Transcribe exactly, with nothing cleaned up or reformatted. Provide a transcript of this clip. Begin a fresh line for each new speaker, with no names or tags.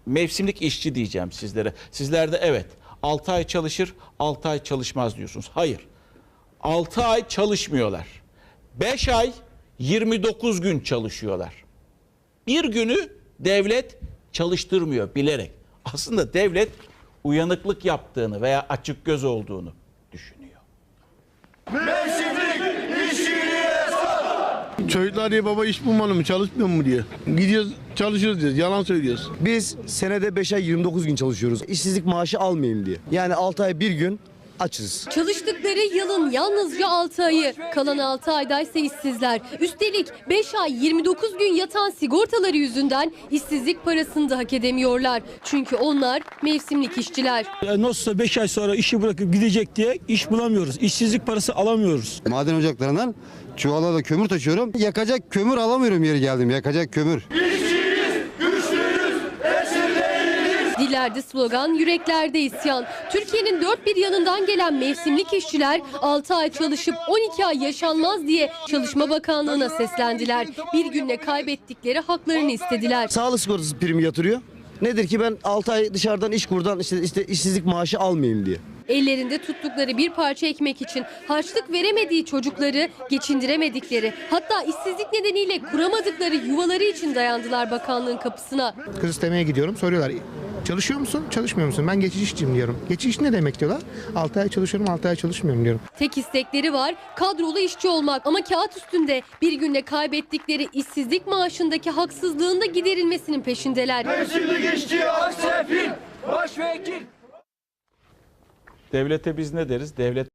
mevsimlik işçi diyeceğim sizlere. Sizler de evet altı ay çalışır, altı ay çalışmaz diyorsunuz. Hayır. altı ay çalışmıyorlar. beş ay yirmi dokuz gün çalışıyorlar. Bir günü devlet çalıştırmıyor bilerek. Aslında devlet uyanıklık yaptığını veya açık göz olduğunu düşünüyor.
Çocuklar diye baba iş bulmalı mı, çalışmıyor mu diye. Gidiyoruz, çalışıyoruz diyoruz, yalan söylüyoruz.
Biz senede beş ay yirmi dokuz gün çalışıyoruz. İşsizlik maaşı almayayım diye. Yani altı ay bir gün açız.
Çalıştıkları yılın yalnızca altı ayı. Kalan altı ayda ise işsizler. Üstelik beş ay yirmi dokuz gün yatan sigortaları yüzünden işsizlik parasını da hak edemiyorlar. Çünkü onlar mevsimlik işçiler.
Nasılsa beş ay sonra işi bırakıp gidecek diye iş bulamıyoruz. İşsizlik parası alamıyoruz.
Maden ocaklarından çuvala da kömür taşıyorum. Yakacak kömür alamıyorum yeri geldim. Yakacak kömür.
Dillerde slogan, yüreklerde isyan. Türkiye'nin dört bir yanından gelen mevsimlik işçiler altı ay çalışıp on iki ay yaşanmaz diye Çalışma Bakanlığı'na seslendiler. Bir günle kaybettikleri haklarını istediler.
Sağlık sigortası primi yatırıyor. Nedir ki ben altı ay dışarıdan iş kurdan işte, işte işsizlik maaşı almayayım diye.
Ellerinde tuttukları bir parça ekmek için harçlık veremediği çocukları geçindiremedikleri, hatta işsizlik nedeniyle kuramadıkları yuvaları için dayandılar bakanlığın kapısına.
Kız istemeye gidiyorum, soruyorlar. Çalışıyor musun, çalışmıyor musun? Ben geçici işçiyim diyorum. Geçici iş ne demek diyorlar. altı ay çalışıyorum, altı ay çalışmıyorum diyorum.
Tek istekleri var kadrolu işçi olmak ama kağıt üstünde bir günde kaybettikleri işsizlik maaşındaki haksızlığın da giderilmesinin peşindeler.
Mevsimlik işçi aksefil, başvekil.
Devlete biz ne deriz? Devlet